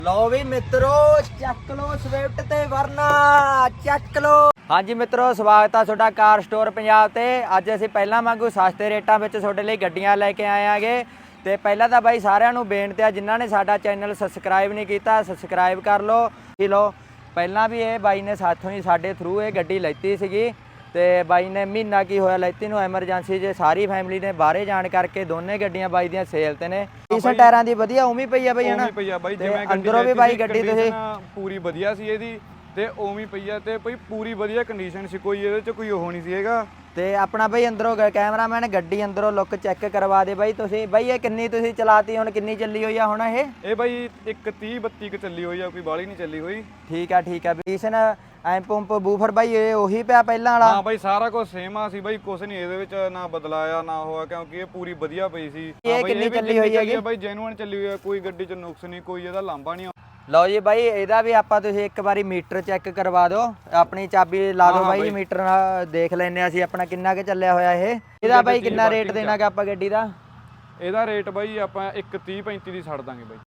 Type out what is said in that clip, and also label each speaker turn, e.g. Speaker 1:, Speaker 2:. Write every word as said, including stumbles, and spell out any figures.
Speaker 1: ਲਓ ਵੀ ਮਿੱਤਰੋ ਚੱਕ ਲੋ ਸਵਿਫਟ ਤੇ ਵਰਨਾ ਚੱਕ ਲੋ। ਹਾਂਜੀ ਮਿੱਤਰੋ, ਸਵਾਗਤ ਆ ਤੁਹਾਡਾ ਕਾਰ ਸਟੋਰ ਪੰਜਾਬ ਤੇ। ਅੱਜ ਅਸੀਂ ਪਹਿਲਾਂ ਵਾਂਗੂ ਸਸਤੇ ਰੇਟਾਂ ਵਿੱਚ ਤੁਹਾਡੇ ਲਈ ਗੱਡੀਆਂ ਲੈ ਕੇ ਆਏ ਆਂਗੇ। ਤੇ ਪਹਿਲਾਂ ਤਾਂ ਬਾਈ ਸਾਰਿਆਂ ਨੂੰ ਬੇਨਤੀ ਆ, ਜਿਨ੍ਹਾਂ ਨੇ ਸਾਡਾ ਚੈਨਲ ਸਬਸਕ੍ਰਾਈਬ ਨਹੀਂ ਕੀਤਾ ਸਬਸਕ੍ਰਾਈਬ ਕਰ ਲਓ ਜੀ। ਲਓ ਪਹਿਲਾਂ ਵੀ ਇਹ ਬਾਈ ਨੇ ਸਾਥੋਂ ਹੀ ਸਾਡੇ ਥਰੂ ਇਹ ਗੱਡੀ ਲੈਤੀ ਸੀਗੀ ਤੇ ਬਾਈ ਨੇ ਮਹੀਨਾ ਕੀ ਹੋਇਆ ਲੈਤੀ ਨੂੰ, ਐਮਰਜੈਂਸੀ 'ਚ ਸਾਰੀ ਫੈਮਿਲੀ ਨੇ ਬਾਹਰੇ ਜਾਣ ਕਰਕੇ ਦੋਨੇ ਗੱਡੀਆਂ ਬਾਈ ਦੀਆਂ ਸੇਲ ਤੇ ਨੇ। ਡੀਸੈਂਟ ਟਾਇਰਾਂ ਦੀ ਵਧੀਆ ਉਵੇਂ ਪਈ ਆ ਬਾਈ ਹਨਾ,
Speaker 2: ਪਈ ਆ ਬਾਈ।
Speaker 1: ਤੇ
Speaker 2: ਜਿਵੇਂ
Speaker 1: ਅੰਦਰੋਂ ਵੀ ਬਾਈ ਗੱਡੀ ਤੁਸੀਂ
Speaker 2: ਪੂਰੀ ਵਧੀਆ ਸੀ ਇਹਦੀ ਤੇ ਉਵੇਂ ਪਈ ਆ ਤੇ ਬਈ ਪੂਰੀ ਵਧੀਆ ਕੰਡੀਸ਼ਨ ਸੀ, ਕੋਈ ਇਹਦੇ 'ਚ ਕੋਈ ਉਹ ਨਹੀਂ ਸੀ ਹੈਗਾ। ਤੇ
Speaker 1: ਆਪਣਾ ਬਾਈ ਅੰਦਰੋਂ ਕੈਮਰਾਮੈਨ ਗੱਡੀ ਅੰਦਰੋਂ ਲੁੱਕ ਚੈੱਕ ਕਰਵਾ ਦੇ ਬਾਈ ਤੁਸੀਂ। ਬਾਈ ਇਹ ਕਿੰਨੀ ਤੁਸੀਂ ਚਲਾਤੀ, ਹੁਣ ਕਿੰਨੀ ਚੱਲੀ ਹੋਈ ਆ ਹੁਣ ਇਹ?
Speaker 2: ਇਹ ਬਾਈ ਇੱਕ ਤੀਹ ਬੱਤੀ ਕ ਚੱਲੀ ਹੋਈ ਆ, ਕੋਈ ਬਾਹਲੀ ਨਹੀਂ ਚੱਲੀ ਹੋਈ।
Speaker 1: ਠੀਕ ਆ ਠੀਕ ਆ। ਬੀਸਨ ਐਂ ਪੰਪ ਬੂਫਰ ਬਾਈ ਇਹ ਉਹੀ ਪਿਆ ਪਹਿਲਾਂ ਵਾਲਾ?
Speaker 2: ਹਾਂ ਬਾਈ ਸਾਰਾ ਕੁਝ ਸੇਮ ਆ ਸੀ ਬਾਈ, ਕੁਝ ਨਹੀਂ ਇਹਦੇ ਵਿੱਚ ਨਾ ਬਦਲਾਇਆ ਨਾ ਹੋਇਆ, ਕਿਉਂਕਿ ਇਹ ਪੂਰੀ ਵਧੀਆ ਪਈ ਸੀ।
Speaker 1: ਇਹ ਕਿੰਨੀ ਚੱਲੀ ਹੋਈ ਹੈਗੀ
Speaker 2: ਬਾਈ? ਜੈਨੂਅਨ ਚੱਲੀ ਹੋਈ ਆ, ਕੋਈ ਗੱਡੀ 'ਚ ਨੁਕਸ ਨਹੀਂ, ਕੋਈ ਇਹਦਾ ਲਾਂਭਾ ਨਹੀਂ।
Speaker 1: ਲਓ ਜੀ ਬਾਈ, ਇਹਦਾ ਵੀ ਆਪਾਂ ਤੁਸੀਂ ਇੱਕ ਵਾਰੀ ਮੀਟਰ ਚੈੱਕ ਕਰਵਾ ਦਿਓ, ਆਪਣੀ ਚਾਬੀ ਲਾ ਦਿਓ ਬਾਈ, ਮੀਟਰ ਨਾਲ ਦੇਖ ਲੈਨੇ ਆ ਅਸੀਂ ਆਪਣਾ ਕਿੰਨਾ ਕੁ ਚੱਲਿਆ ਹੋਇਆ ਇਹ। ਇਹਦਾ ਬਾਈ ਕਿੰਨਾ ਰੇਟ ਦੇਣਾਗਾ ਆਪਾਂ ਗੱਡੀ ਦਾ?
Speaker 2: ਇਹਦਾ ਰੇਟ ਬਾਈ ਆਪਾਂ ਇੱਕ ਤੀਹ ਪੈਂਤੀ ਦੀ ਛੱਡ ਦਾਂਗੇ ਬਾਈ।